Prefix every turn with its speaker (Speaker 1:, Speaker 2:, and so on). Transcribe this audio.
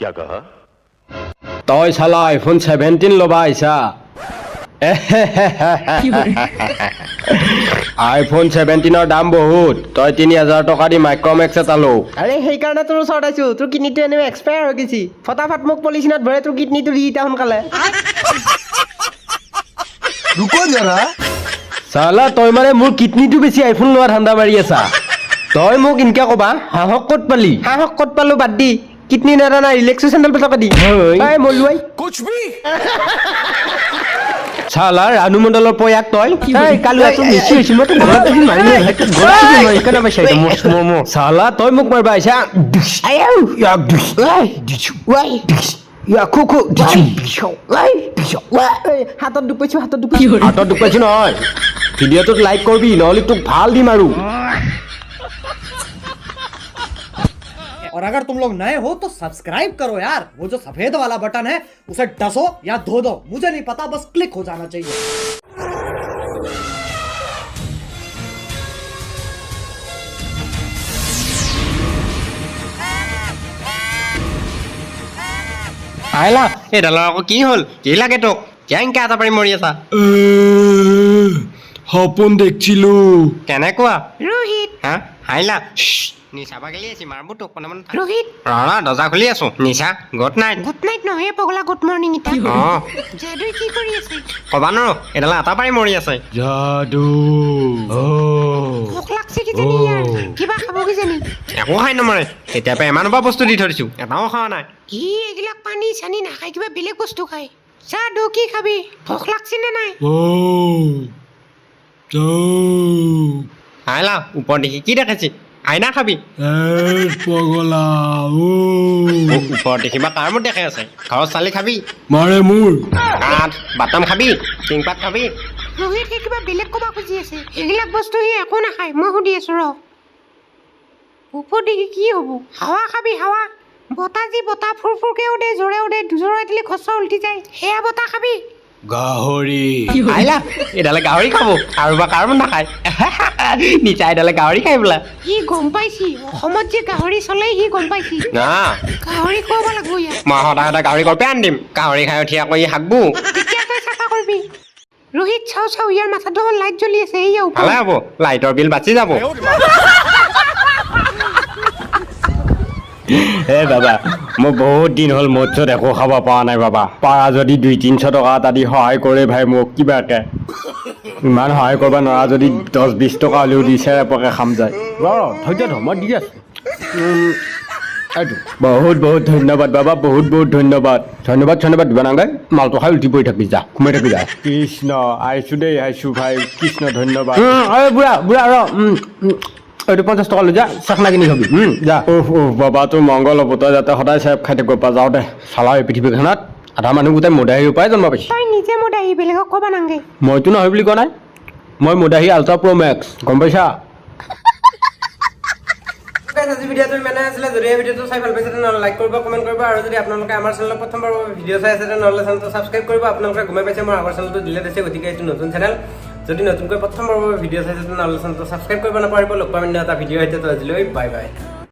Speaker 1: क्या कहा
Speaker 2: তই চালা আইফোন 17 লবা আইছা আইফোন 17 দাম বহুত তই 3000 টকা দি মাইক্ৰোমেক্স এটা লো
Speaker 3: আরে সেইকাৰণে তোৰ ওচৰত আইছো তোৰ কিডনীটো এনে এক্সপায়াৰ হৈ গৈছি ফটাফট মোক পলিচিনত ভৰাই তোৰ কিডনীটো দি ইটা সোনকালে
Speaker 4: रुको जरा
Speaker 2: চালা তই মানে মোৰ কিডনীটো বেছি আইফোন লোৱা ধান্দা মাৰি আছা তই মোক ইনকা কবা হাহক ক'ত পালি
Speaker 3: হাঁহক ক'ত পালো বাদ দি কিডনী নেৰা নাই ৰিলেক্সো চেণ্ডেল টকা দি এই মলুৱাই
Speaker 4: कुछ भी
Speaker 2: চালা ৰানু মণ্ডলৰ পয়াক তই এই কালু আছো মিছি হৈছিল মই তো ঘৰত আহি মাৰিলে ভাইটো ঘৰত আহি মই কেনে পাইছা এটা মম চালা তই মোক মাৰবা আইছা আয়ৌ ইয়াক দিছ এই দিছ ওই ইয়া কুকু দিছ ওই দিছ
Speaker 3: এই হাতত দুখ পাইছো হাতত দুখ পাইছো
Speaker 2: হাতত দুখ পাইছো নহয় ভিডিঅ'টোত লাইক কৰবি নহ'লে তোক ভাল দিম আৰু
Speaker 5: और अगर तुम लोग नए हो तो सब्सक्राइब करो यार वो जो सफेद वाला बटन है उसे डसो या धो दो मुझे नहीं पता बस क्लिक हो जाना चाहिए
Speaker 6: আহিলা এইডালৰ আকৌ কি হ'ল কি লাগে তোক কেংকে এটা পাৰি মৰি আছা
Speaker 2: সপোন দেখিছিলো
Speaker 6: কেনেকুৱা
Speaker 7: ৰোহিত
Speaker 6: হা আহিলা নিচা বাগেলি আছি মাৰবো তোক মানে
Speaker 7: ৰোহিত
Speaker 6: ৰা দৰ্জা খুলি আছো নিচা গুড নাইট
Speaker 7: গুড নাইট নহয় পগলা গুড মৰ্ণিং ইটা
Speaker 6: অঁ
Speaker 7: যাদুই কি কৰি আছে
Speaker 6: ক'বা নোৱাৰো এইডাল এটা পাৰি মৰি আছে
Speaker 2: যাদু
Speaker 7: ভোক লাগছে কিজানি ইয়াৰ কিবা খাব কিজানি
Speaker 6: একো খাই নমৰে তেতিয়াৰ পৰা ইমানৰ পৰা বস্তু দি থৈ দিছো এটাও খোৱা নাই
Speaker 7: ই এইবিলাক পানী চানী নাখায় কিবা বেলেগ বস্তু খায় যাদু কি খাবি ভোক লাগছে নে নাই
Speaker 6: আহিলা ওপৰ দেখি কি দেখাইছি আইনা খাবি
Speaker 2: পগলা
Speaker 6: ওপৰত দেখিবা কাৰ মত দেখাই আছে ঘৰৰ চালি খাবি
Speaker 2: মাৰে মোৰ
Speaker 6: কাঠ বাটাম খাবি টিংপাত খাবি
Speaker 7: ৰোহিত সি কিবা বেলেগ ক'ব খুজি আছে এইবিলাক বস্তু সি একো নাখায় মই সুধি আছো ৰ ওপৰ দেখি কি হ'ব হাৱা খাবি হাৱা বতাহ যি বতাহ ফুৰফুৰকে উঠে জোৰে উঠে জোৰাই দিলে খচৰ উল্টি যায় সেয়া বতাহ খাবি
Speaker 2: গাহৰি
Speaker 6: আহিলা এইডালে গাহৰি খাব আৰু বা কাৰ মন নাখায় নিচা এইডালে গাহৰি খাই বোলা
Speaker 7: সি গম পাইছি অসমত যে গাহৰি চলে সি গম পাইছি
Speaker 6: না
Speaker 7: গাহৰি খুৱাব লাগিব ইয়াক
Speaker 6: মই সদায় সদায় গাহৰি গল্পে আনি দিম গাহৰি খাই উঠি আকৌ ই হাগবো
Speaker 7: তেতিয়া তই চাফা কৰিবি ৰোহিত চাও চাও ইয়াৰ মাথাটো লাইট জ্বলি আছে এইয়া ওপৰ
Speaker 6: ভালে হ'ব লাইটৰ বিল বাচি যাব
Speaker 2: এ বাবা মই বহুত দিন হ'ল মৎস্যত একো খাব পৰা নাই বাবা পাৰা যদি 200-300 টকা এটা দি সহায় কৰে ভাই মোক কিবাকে ইমান সহায় কৰিব নোৱাৰা যদি 10-20 টকা হ'লেও দি চেৰেপকে খাম যায় ধৈৰ্য ধৰ মই দি আছোঁ এইটো বহুত বহুত ধন্যবাদ বাবা বহুত বহুত ধন্যবাদ ধন্যবাদ দিবা নালাগে মালটো খাই উঠি পৰি থাকি যা সোমাই থাকি যা কৃষ্ণ আহিছোঁ দেই আহিছোঁ ভাই কৃষ্ণ ধন্যবাদ বুঢ়া ৰ এইটো 50 টকা লৈ যা চাকনা কিনি খাবি যা বাবা তোৰ মংগল হ'ব তই যাতে সদায় চেপ খাই থাকিব পৰা যাওঁ দে চালা এই পৃথিৱীখনত আধা মানুহ গোটেই মদাহীৰ পৰাই জন্ম পাইছে
Speaker 7: তই নিজে মোৰ দাহি বেলেগক ক'ব নালাগে
Speaker 2: মইতো নহয় বুলি কোৱা নাই মই মদাহী আল্ট্ৰা প্ৰ' মেক্স গম পাইছা
Speaker 3: আজি ভিডিঅ'টো ইমানে আছিলে যদি এই ভিডিঅ'টো চাই ভাল পাইছে তেনেহ'লে লাইক কৰিব কমেণ্ট কৰিব আৰু যদি আপোনালোকে আমাৰ চেনেলত প্ৰথমবাৰ ভিডিঅ' চাই আছে তেনেহ'লে চেনেলটো ছাবস্ক্ৰাইব কৰিব আপোনালোকে গমেই পাইছে মোৰ আগৰ চেনেলটো ডিলেট হৈছে গতিকে এইটো নতুন চেনেল যদি নতুনকৈ প্ৰথমবাৰ ভিডিঅ' চাইছে তেনেহ'লে চেনেলটো ছাবস্ক্ৰাইব কৰিব নাপাহৰিব লগ পাম এটা ভিডিঅ' সৈতে আজিলৈ বাই বাই